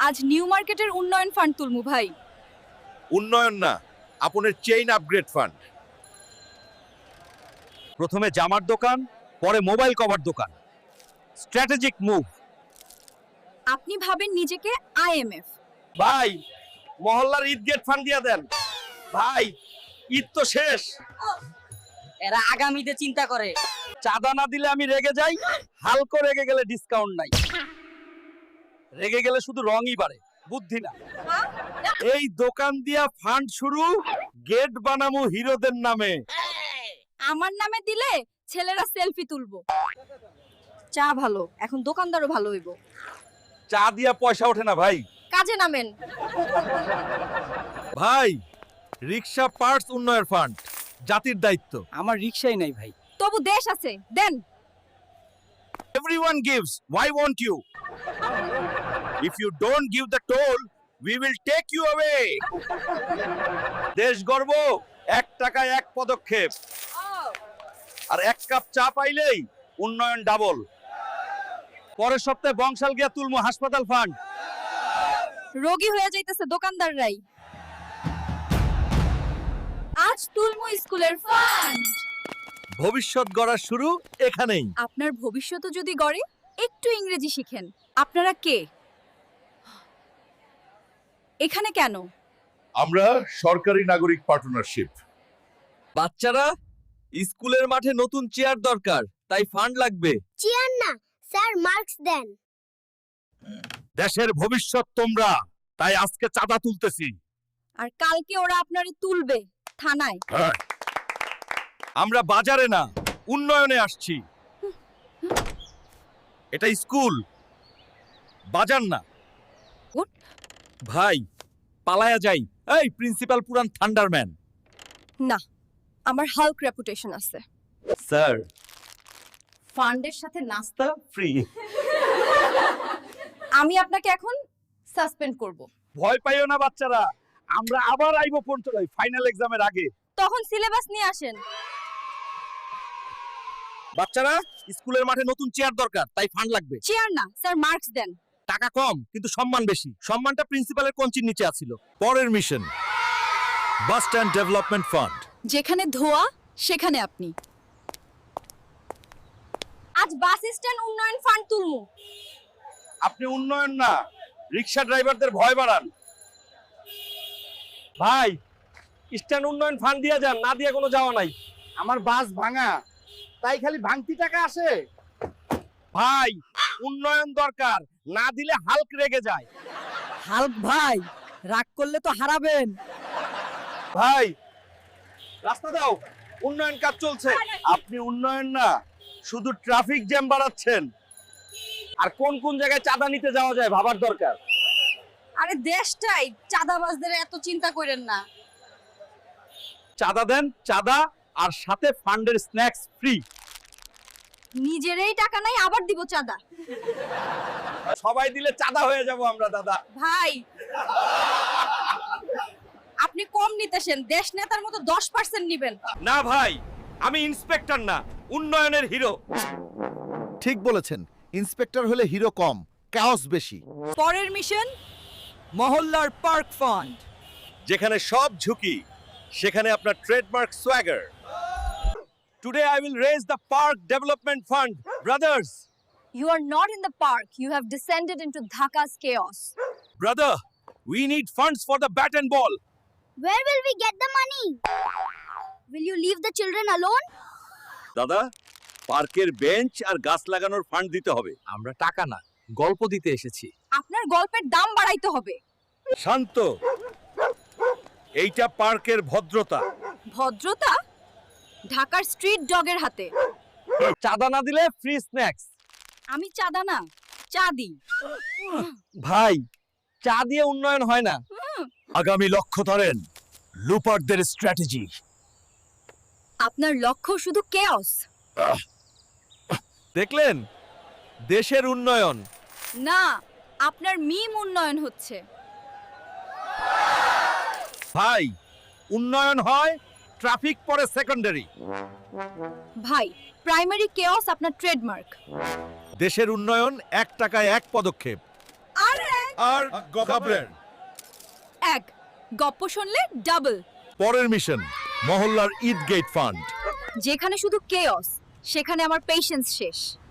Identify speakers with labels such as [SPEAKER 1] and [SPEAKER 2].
[SPEAKER 1] আজ নিউ মার্কেটের উন্নয়ন ফান্ড তুলমু ভাই।
[SPEAKER 2] উন্নয়ন না, আপনার চেইন আপগ্রেড ফান্ড।
[SPEAKER 3] প্রথমে জামার দোকান, পরে মোবাইল কভার দোকান। Strategic move.
[SPEAKER 1] আপনি ভাবেন নিজেকে আইএমএফ।
[SPEAKER 3] ভাই, মহল্লার ঈদ গেট ফান্ড দিয়া দেন। ভাই, ঈদ তো শেষ।
[SPEAKER 4] এরা আগামীতে চিন্তা করে।
[SPEAKER 3] চাঁদা না দিলে আমি রেগে যাই, হালকা রেগে গেলে ডিসকাউন্ট নাই। রেগে গেলে শুধু রঙই বাড়ে, বুদ্ধি না। এই দোকান দিয়া ফান্ড শুরু, গেট বানামু হিরোদের নামে।
[SPEAKER 1] আমার নামে দিলে ছেলেরা সেলফি তুলবো। চা ভালো, এখন দোকানদারও ভালো হইব।
[SPEAKER 3] চা দিয়া পয়সা ওঠে না ভাই।
[SPEAKER 1] কাজে নামেন।
[SPEAKER 2] ভাই, রিক্সা পার্টস উন্নয়ন ফান্ড, জাতির দায়িত্ব।
[SPEAKER 3] আমার রিকশাই নাই ভাই।
[SPEAKER 1] তবু দেশ আছে, দেন।
[SPEAKER 2] Everyone gives, why won't you? If you don't give the toll, we will take you away.
[SPEAKER 3] দেশ গর্ব, 1 টাকায় 1 পদক্ষেপ। আর 1 কাপ চা পাইলেই উন্নয়ন ডাবল। পরের সপ্তাহে বংশাল গিয়া তুলমু হাসপাতাল ফান্ড।
[SPEAKER 1] রোগী হয়ে যাইতেছে দোকানদাররাই। আজ তুলমু স্কুলের ফান্ড।
[SPEAKER 2] ভবিষ্যৎ গড়ার শুরু এখানেই।
[SPEAKER 1] আপনার ভবিষ্যৎ যদি গড়ে, একটু ইংরেজি শিখেন। আপনারা কে? এখানে কেন?
[SPEAKER 2] আমরা সরকারি নাগরিক পার্টনারশিপ।
[SPEAKER 3] বাচ্চারা, স্কুলের মাঠে নতুন চেয়ার দরকার, তাই ফান্ড লাগবে।
[SPEAKER 5] চেয়ার না স্যার, মার্কস দেন।
[SPEAKER 2] দেশের ভবিষ্যৎ তোমরা, তাই আজকে চাঁদা তুলতেছি।
[SPEAKER 1] আর কালকে ওরা আপনারে তুলবে থানায়।
[SPEAKER 2] আমরা বাজারে না, উন্নয়নে আসছি। এটা স্কুল, বাজার না।
[SPEAKER 1] উঠ।
[SPEAKER 2] ভাই, পালায়া যাই। এই প্রিন্সিপাল পুরান থান্ডারম্যান।
[SPEAKER 1] না, আমার হাল্ক রেপুটেশন আছে।
[SPEAKER 2] স্যার,
[SPEAKER 1] ফান্ডের সাথে নাস্তা
[SPEAKER 2] ফ্রি।
[SPEAKER 1] আমি আপনাকে এখন সাসপেন্ড করব।
[SPEAKER 3] ভয় পাইও না বাচ্চারা, আমরা আবার আইবো ফাইনাল এক্সামের আগে।
[SPEAKER 1] তখন সিলেবাস নিয়ে আসেন।
[SPEAKER 3] বাচ্চারা, স্কুলের মাঠে নতুন চেয়ার দরকার, তাই ফান্ড লাগবে।
[SPEAKER 1] চেয়ার না স্যার, মার্কস দেন।
[SPEAKER 3] টাকা কম কিন্তু সম্মান বেশি। সম্মানটা প্রিন্সিপালের কঞ্চির নিচে আছিল।
[SPEAKER 2] পরের mission, bus stand development fund.
[SPEAKER 1] যেখানে ধোয়া সেখানে আপনি। আজ বাস স্ট্যান্ড উন্নয়ন ফান্ড তুলমু।
[SPEAKER 3] আপনি উন্নয়ন না, রিকশা ড্রাইভারদের ভয় বাড়ান। ভাই, স্ট্যান্ড উন্নয়ন ফান্ড দিয়ে যান, না দিয়ে কোনো যাওয়া নাই।
[SPEAKER 6] আমার বাস ভাঙা, তাই খালি ভাঙতি টাকা আসে।
[SPEAKER 3] ভাই, উন্নয়ন দরকার, না দিলে হাল্ক রেগে যায়।
[SPEAKER 4] হাল্ক ভাই, রাগ করলে তো হারাবেন।
[SPEAKER 3] ভাই, রাস্তা দাও, উন্নয়ন কাজ চলছে। আপনি উন্নয়ন না, শুধু ট্রাফিক জ্যাম বাড়াচ্ছেন। আর কোন কোন জায়গায় চাঁদা নিতে যাওয়া যায় ভাবার দরকার।
[SPEAKER 1] আরে দেশটাই, চাঁদাবাজদের এত চিন্তা করেন না।
[SPEAKER 3] চাঁদা দেন, চাঁদা, আর সাথে ফান্ডের স্ন্যাক্স ফ্রি।
[SPEAKER 1] নিজেরই টাকা নাই, আবার দিব চাঁদা।
[SPEAKER 3] সবাই দিলে চাঁদা হয়ে যাব আমরা দাদা।
[SPEAKER 1] ভাই, আপনি কম নিতেছেন, দেশ নেতার মতো 10% নিবেন।
[SPEAKER 3] না ভাই, আমি ইন্সপেক্টর না, উন্নয়নের হিরো।
[SPEAKER 7] ঠিক বলেছেন, ইন্সপেক্টর হলে হিরো কম, কাওস বেশি।
[SPEAKER 1] পরের মিশন,
[SPEAKER 4] মহল্লার পার্ক ফান্ড।
[SPEAKER 2] যেখানে সব ঝুঁকি, সেখানে আপনার trademark swagger.
[SPEAKER 3] Today I will raise the park development fund, brothers.
[SPEAKER 1] you are not in the park, you have descended into Dhaka's chaos.
[SPEAKER 3] Brother, we need funds for the bat and ball.
[SPEAKER 5] Where will we get the money? Will you leave the children alone?
[SPEAKER 2] দাদা, পার্কের bench আর গাছ লাগানোর fund দিতে হবে।
[SPEAKER 3] আমরা টাকা না, গল্প দিতে এসেছি।
[SPEAKER 1] আপনার গল্পের দাম বাড়াইতে হবে।
[SPEAKER 2] শান্ত, এইটা পার্কের ভদ্রতা।
[SPEAKER 1] ভদ্রতা ঢাকার স্ট্রিট ডগের হাতে।
[SPEAKER 3] চাঁদা না দিলে ফ্রি স্ন্যাক্স।
[SPEAKER 1] আমি চাঁদা না, চা দিই।
[SPEAKER 3] ভাই, চা দিয়ে উন্নয়ন হয় না।
[SPEAKER 2] আগামী লক্ষ্য ধরেন, লুপারদের স্ট্র্যাটেজি।
[SPEAKER 1] আপনার লক্ষ্য শুধু কেওস।
[SPEAKER 3] দেখলেন, দেশের উন্নয়ন।
[SPEAKER 1] না, আপনার মিম উন্নয়ন হচ্ছে।
[SPEAKER 2] ভাই, উন্নয়ন হয়, ট্রাফিক পরে সেকেন্ডারি।
[SPEAKER 1] ভাই, প্রাইমারি কেওস আপনার ট্রেডমার্ক।
[SPEAKER 2] দেশের উন্নয়ন 1 টাকায় 1 পদক্ষেপ।
[SPEAKER 1] আরে
[SPEAKER 2] আর গবলেন।
[SPEAKER 1] এক গপ্প শুনলে ডাবল।
[SPEAKER 7] পরের মিশন মহল্লার ঈদ গেট ফান্ড।
[SPEAKER 1] যেখানে শুধু কেয়স সেখানে আমার পেশেন্স শেষ।